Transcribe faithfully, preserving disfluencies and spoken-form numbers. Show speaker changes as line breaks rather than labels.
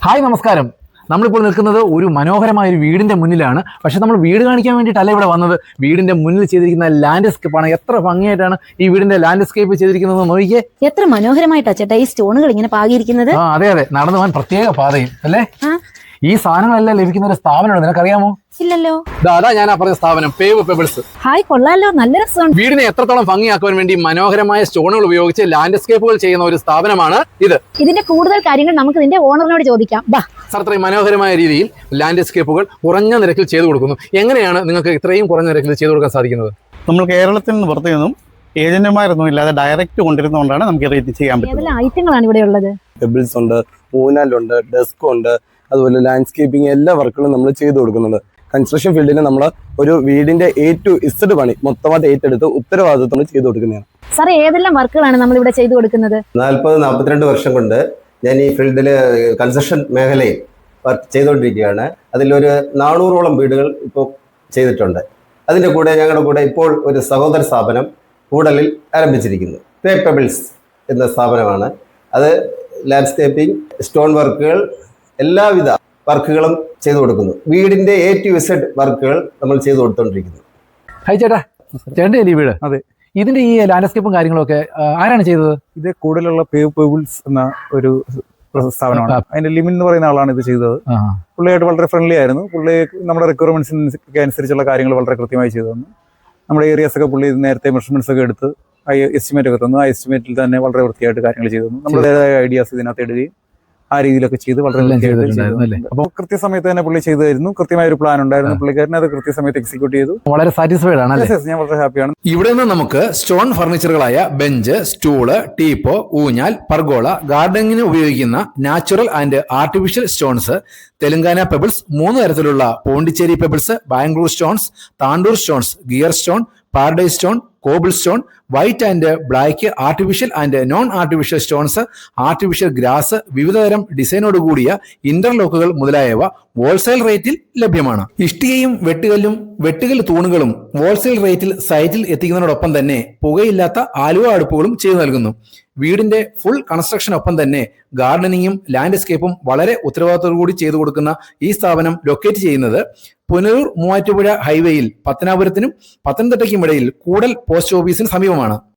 Hi നമസ്കാരം. നമ്മളിപ്പോൾ നിൽക്കുന്നത് ഒരു മനോഹരമായ ഒരു വീടിന്റെ മുന്നിലാണ്. പക്ഷെ നമ്മൾ വീട് കാണിക്കാൻ വേണ്ടിയിട്ടല്ല ഇവിടെ വന്നത്. വീടിന്റെ മുന്നിൽ ചെയ്തിരിക്കുന്ന ലാൻഡ്സ്കേപ്പാണ്. എത്ര ഭംഗിയായിട്ടാണ് ഈ വീടിന്റെ ലാൻഡ്സ്കേപ്പ് ചെയ്തിരിക്കുന്നത് നോക്കിയേ.
എത്ര മനോഹരമായിട്ടാ ചേട്ടാ ഈ സ്റ്റോണുകൾ ഇങ്ങനെ പാകിയിരിക്കുന്നത്.
ആ അതെ അതെ, നടന്നു പോകാൻ പ്രത്യേക പാതയും അല്ലേ. ഈ സാധനങ്ങളെല്ലാം ലഭിക്കുന്ന ഒരു സ്ഥാപനമാണ്, നിനക്കറിയാമോ?
ഇല്ലല്ലോ.
അതാ ഞാൻ പറഞ്ഞ സ്ഥാപനം, പേവ് പെബിൾസ്.
ഹായ്, കൊള്ളാലോ, നല്ല രസമുണ്ട്.
വീടിനെ എത്രത്തോളം ഭംഗിയാക്കുവാൻ വേണ്ടി മനോഹരമായ സ്റ്റോണുകൾ ഉപയോഗിച്ച് ലാൻഡ്സ്കേപ്പുകൾ ചെയ്യുന്ന ഒരു സ്ഥാപനമാണ് ഇത്.
ഇതിന്റെ കൂടുതൽ കാര്യങ്ങൾ നമുക്ക് ഇതിന്റെ ഓണറിനോട് ചോദിക്കാം.
അത്രയും മനോഹരമായ രീതിയിൽ ലാൻഡ്സ്കേപ്പുകൾ കുറഞ്ഞ നിരക്കിൽ ചെയ്തു കൊടുക്കുന്നു. എങ്ങനെയാണ് നിങ്ങൾക്ക് ഇത്രയും കുറഞ്ഞ നിരക്കിൽ ചെയ്തു കൊടുക്കാൻ സാധിക്കുന്നത്?
നമ്മൾ കേരളത്തിൽ നിന്ന് പുറത്തു നിന്നും ഏജന്റുമാരൊന്നും ഇല്ലാതെ ഡയറക്റ്റ് കൊണ്ടിരുന്നതുകൊണ്ടാണ് നമുക്ക് ഇത് ചെയ്യാൻ പറ്റുന്നത്.
ഐറ്റങ്ങളാണ് ഇവിടെ ഉള്ളത്.
പെബിൾസ് ഉണ്ട്, ഊനാലുണ്ട്, ഡെസ്ക് ഉണ്ട്, അതുപോലെ ലാൻഡ്സ്കേപ്പിംഗ് എല്ലാ വർക്കുകളും നമ്മൾ ചെയ്തു കൊടുക്കുന്നുണ്ട്. കൺസ്ട്രക്ഷൻ ഫീൽഡിൽ നമ്മൾ ഒരു വീടിന്റെ എ ടു ഇസഡ് പണി മൊത്തമായിട്ട് ഏറ്റെടുത്ത് ഉത്തരവാദിത്വം ചെയ്തു കൊടുക്കുന്നതാണ്.
സാർ, ഏതെല്ലാം വർക്കുകളാണ് നമ്മൾ ഇവിടെ ചെയ്തു കൊടുക്കുന്നത്?
നാൽപ്പത് നാൽപ്പത്തിരണ്ട് വർഷം കൊണ്ട് ഞാൻ ഈ ഫീൽഡിൽ കൺസ്ട്രക്ഷൻ മേഖലയിൽ വർക്ക് ചെയ്തുകൊണ്ടിരിക്കുകയാണ്. അതിലൊരു നാനൂറോളം വീടുകൾ ഇപ്പോൾ ചെയ്തിട്ടുണ്ട്. അതിൻ്റെ കൂടെ ഞങ്ങളുടെ കൂടെ ഇപ്പോൾ ഒരു സഹോദര സ്ഥാപനം കൂടലിൽ ആരംഭിച്ചിരിക്കുന്നു. പേ പെബിൾസ് എന്ന സ്ഥാപനമാണ്. അത് ലാൻഡ്സ്കേപ്പിംഗ്, സ്റ്റോൺ വർക്കുകൾ, എല്ലാവിധ വർക്കുകളും ചെയ്തു കൊടുക്കുന്നു. വീടിന്റെ എ ടു ഇസഡ് വർക്കുകൾ നമ്മൾ ചെയ്തു കൊടുത്തോണ്ടിരിക്കുന്നു.
ഹായ് ചേട്ടാ, ചേട്ടൻ്റെ ഈ വീട്?
അതെ.
ഇതിന്റെ ഈ ലാൻഡ്സ്കേപ്പും കാര്യങ്ങളൊക്കെ ആരാണ് ചെയ്തത്?
ഇത് കൂടുതലുള്ള പേവ് പെബിൾസ് എന്ന ഒരു സ്ഥാപനമാണ്. അതിന്റെ ലിമിൻ എന്ന് പറയുന്ന ആളാണ് ഇത് ചെയ്തത്. പുള്ളിയായിട്ട് വളരെ ഫ്രണ്ട്ലി ആയിരുന്നു. പുള്ളി നമ്മുടെ റിക്വയർമെന്റ്സിനൊക്കെ അനുസരിച്ചുള്ള കാര്യങ്ങൾ വളരെ കൃത്യമായി ചെയ്തു തന്നു. നമ്മുടെ ഏരിയാസ് ഒക്കെ പുള്ളി നേരത്തെ മെഷർമെന്റ്സ് ഒക്കെ എടുത്ത് ആ എസ്റ്റിമേറ്റ് ഒക്കെ തന്നു. ആ എസ്റ്റിമേറ്റിൽ തന്നെ വളരെ വൃത്തിയായിട്ട് കാര്യങ്ങൾ ചെയ്തു തന്നു. നമ്മുടേതായ ഐഡിയാസ് ഇതിനകത്ത് ഇടുകയും ആ രീതിയിലൊക്കെ ചെയ്ത് വളരെ അപ്പോൾ കൃത്യസമയത്ത് തന്നെ പുള്ളി ചെയ്തായിരുന്നു. കൃത്യമായ ഒരു പ്ലാൻ ഉണ്ടായിരുന്നു പുള്ളിക്കാരന്. അത് കൃത്യസമയത്ത് എക്സിക്യൂട്ട് ചെയ്തു.
വളരെ സാറ്റിസ്ഫൈഡ് ആണ്.
ഞാൻ വളരെ ഹാപ്പിയാണ്.
ഇവിടെ നിന്ന് നമുക്ക് സ്റ്റോൺ ഫർണിച്ചറുകളായ ബെഞ്ച്, സ്റ്റൂള്, ടീപ്പോ, ഊഞ്ഞാൽ, പർഗോള, ഗാർഡനിങ്ങിന് ഉപയോഗിക്കുന്ന natural and artificial stones, Telangana pebbles, മൂന്ന് തരത്തിലുള്ള Pondicherry pebbles, Bangalore stones, Tandur stones, gear stone, paradise stone, cobble stone, white and black, artificial and non artificial stones, artificial grass, വിവിധതരം ഡിസൈനോട് കൂടിയ ഇന്റർലോക്കുകൾ മുതലായവ ഹോൾസെയിൽ റേറ്റിൽ ലഭ്യമാണ്. ഇഷ്ടികയും വെട്ടുകല്ലും വെട്ടുകൽ തൂണുകളും ഹോൾസെയിൽ റേറ്റിൽ സൈറ്റിൽ എത്തിക്കുന്നതിനോടൊപ്പം തന്നെ പുകയില്ലാത്ത ആലുവ അടുപ്പുകളും ചെയ്തു നൽകുന്നു. വീടിന്റെ ഫുൾ കൺസ്ട്രക്ഷനൊപ്പം തന്നെ ഗാർഡനിങ്ങും ലാൻഡ്സ്കേപ്പും വളരെ ഉത്തരവാദിത്തോടു കൂടി ചെയ്തു കൊടുക്കുന്ന ഈ സ്ഥാപനം ലൊക്കേറ്റ് ചെയ്യുന്നത് പുനലൂർ മൂവാറ്റുപുഴ ഹൈവേയിൽ പത്തനാപുരത്തിനും പത്തനംതിട്ടയ്ക്കും ഇടയിൽ കൂടൽ പോസ്റ്റ് ഓഫീസിന് സമീപമാണ്.